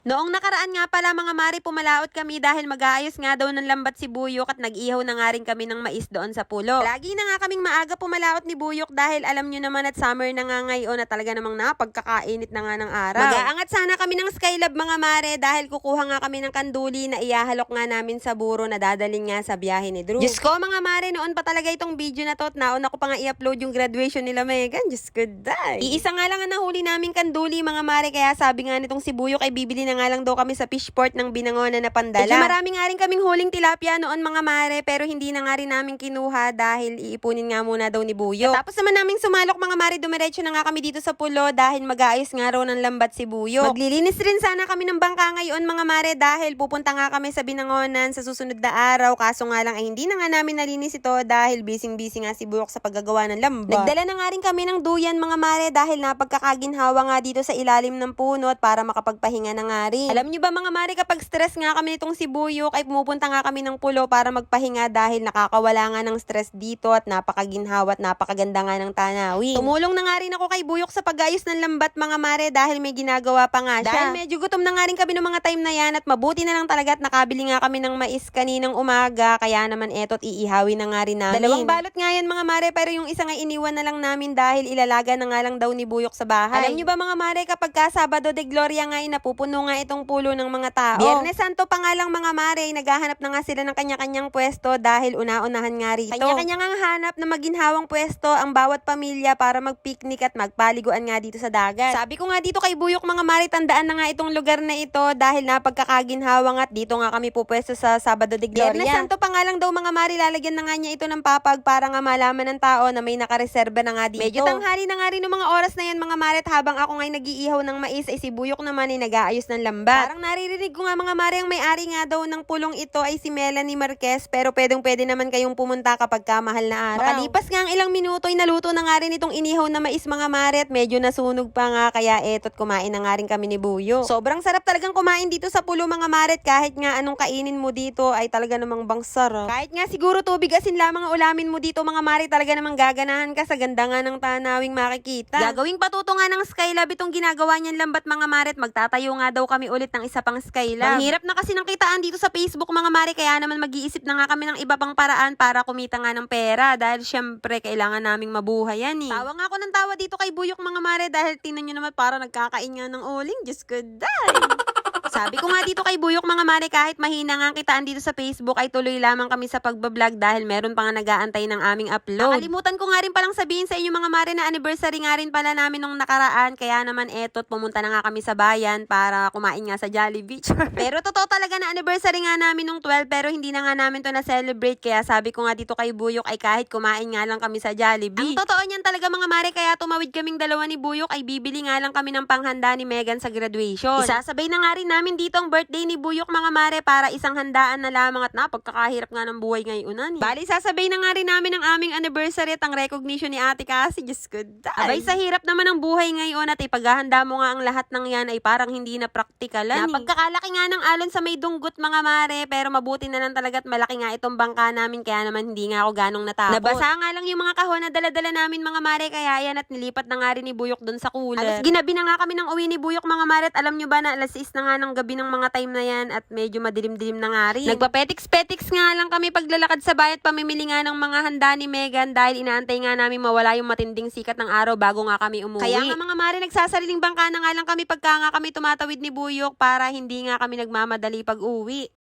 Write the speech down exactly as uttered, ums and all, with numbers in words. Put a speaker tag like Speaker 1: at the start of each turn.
Speaker 1: Noong nakaraan nga pala mga mare, pumalaot kami dahil mag-aayos nga daw ng lambat si Buyok at nag-ihaw na nga rin kami ng mais doon sa pulo. Lagi na nga kaming maaga pumalaot ni Buyok dahil alam nyo naman at summer na nga ngayon na talaga namang napagkakainit na nga ng araw. Mag-aangat sana kami ng Skylab mga mare dahil kukuha nga kami ng kanduli na iyahalok nga namin sa buro na dadalhin nga sa biyahe ni Drew. Diyos ko mga mare, noon pa talaga itong video na to at nauna ko pa nga i-upload yung graduation nila Megan. Diyos ko day. Iisa nga lang ang nahuli naming kanduli mga mare, kaya sabi nga nitong si Buyok ay bibili na nga lang daw kami sa fishport ng Binangonan na Pandala. Medyo marami nga rin kaming huling tilapia noon mga mare, pero hindi na nga rin namin kinuha dahil iipunin nga muna daw ni Buyok. Tapos naman naming sumalok mga mare, dumiretso na nga kami dito sa pulo dahil mag-aayos nga raw ng lambat si Buyok. Maglilinis rin sana kami ng bangka ngayon mga mare dahil pupunta nga kami sa Binangonan sa susunod na araw, kaso nga lang ay hindi na nga namin nalinis ito dahil busy-busy nga si Buyok sa paggagawa ng lambat. Nagdala na nga rin kami ng duyan mga mare dahil napagkakaginhawa nga dito sa ilalim ng puno at para makapagpahinga na nga rin. Alam nyo ba mga mare, kapag stress nga kami nitong si Buyok ay pumupunta nga kami ng pulo para magpahinga dahil nakakawala nga ng stress dito at napakaginhawa at napakaganda nga ng tanawin. Tumulong na nga rin ako kay Buyok sa pag-ayos ng lambat mga mare dahil may ginagawa pa nga siya. Dahil medyo gutom na nga rin kami ng mga time na yan at mabuti na lang talaga at nakabili nga kami ng mais kaninang umaga, kaya naman etot iihawin na nga rin namin. Dalawang balot nga yan mga mare, pero yung isa nga iniwan na lang namin dahil ilalaga na nga lang daw ni Buyok sa bahay. Alam nyo ba mga mare, kapag ka Sabado de Gloria nga ay napupuno nga itong pulo ng mga tao. Biyernes Santo pa nga lang mga mare, naghahanap na nga sila ng kanya-kanyang pwesto dahil una-unahan nga rito. Kanya-kanya nga hanap na maginhawang pwesto ang bawat pamilya para mag-picnic at magpaliguan nga dito sa dagat. Sabi ko nga dito kay Buyok mga mare, tandaan na nga itong lugar na ito dahil napagkakaginhawang at dito nga kami pupwesto sa Sabado de Gloria. Biyernes Santo pa nga lang daw mga mare, lalagyan na nga niya ito ng papag para nga malaman ng tao na may nakareserba na nga dito. Medyo tanghali na nga rin ng mga oras na yan mga mare, habang ako nga'y nag-iihaw ng mais ay si Buyok naman ay nag-aayos ng lambat. Parang naririnig ko nga mga mare, ang may-ari nga daw ng pulong ito ay si Melanie Marquez, pero pwedeng pwede naman kayong pumunta kapag ka mahal na araw. Makalipas nga ang ilang minuto ay naluto na nga rin itong inihaw na mais mga mare at medyo nasunog pa nga, kaya etot kumain na nga rin kami ni Buyok. Sobrang sarap talagang kumain dito sa pulo mga mare, kahit nga anong kainin mo dito ay talaga namang bang sarap. Kahit nga siguro tubig asin lamang ang ulamin mo dito mga mare, talaga namang gaganahan ka sa ganda nga ng tanawing makikita. Gagawing patuto nga ng Skylab itong ginagawa niyan lambat mga mare, at magtatayo nga daw kami ulit ng isa pang Skylab. Ang hirap na kasi ng kitaan dito sa Facebook mga mare, kaya naman mag-iisip na nga kami ng iba pang paraan para kumita nga ng pera dahil syempre kailangan naming mabuhay yan eh. Tawa nga ako ng tawa dito kay Buyok mga mare dahil tinan nyo naman para nagkakain nga ng uling. Diyos ko day! Sabi ko nga dito kay Buyok mga mare, kahit mahina nga ang kitaan dito sa Facebook ay tuloy lamang kami sa pagbablog dahil meron pa nga nag-aantay ng aming upload. Nakalimutan ko nga rin palang sabihin sa inyo mga mare na anniversary nga rin pala namin nung nakaraan, kaya naman etot pumunta na nga kami sa bayan para kumain nga sa Jollibee. Pero totoo talaga na anniversary nga namin nung twelve, pero hindi na nga namin to na-celebrate, kaya sabi ko nga dito kay Buyok ay kahit kumain nga lang kami sa Jollibee. Ang totoo niyan talaga mga mare, kaya tumawid kaming dalawa ni Buyok ay bibili nga lang kami ng panghanda ni Megan sa graduation. Isasabay na nga rin namin dito ang birthday ni Buyok mga mare para isang handaan na lamang at napagkakahirap nga ng buhay ngayon. Eh. Bali, sasabay na nga rin namin ang aming anniversary at ang recognition ni ate kasi, Diyos ko day. Abay, sa hirap naman ng buhay ngayon at ipaghahanda mo nga ang lahat ng yan ay parang hindi na praktikalan. Napagkakalaki nga ng alon sa may dunggot mga mare, pero mabuti na lang talaga at malaki nga itong bangka namin, kaya naman hindi nga ako ganong natakot. Nabasa nga lang yung mga kahon na dala-dala namin mga mare, kaya yan at nilipat na nga rin ni Buyok dun sa cooler. Alas ginabi na nga kami ng uwi ni Buyok mga mare, at alam nyo ba na alas is na nga ng gabi ng mga time na yan at medyo madilim-dilim na nga rin. Nagpapetiks-petiks nga lang kami paglalakad sa bayat, pamimili nga ng mga handa ni Megan dahil inaantay nga namin mawala yung matinding sikat ng araw bago nga kami umuwi. Kaya nga mga mare, nagsasariling bangka na nga lang kami pagka nga kami tumatawid ni Buyok para hindi nga kami nagmamadali pag uwi.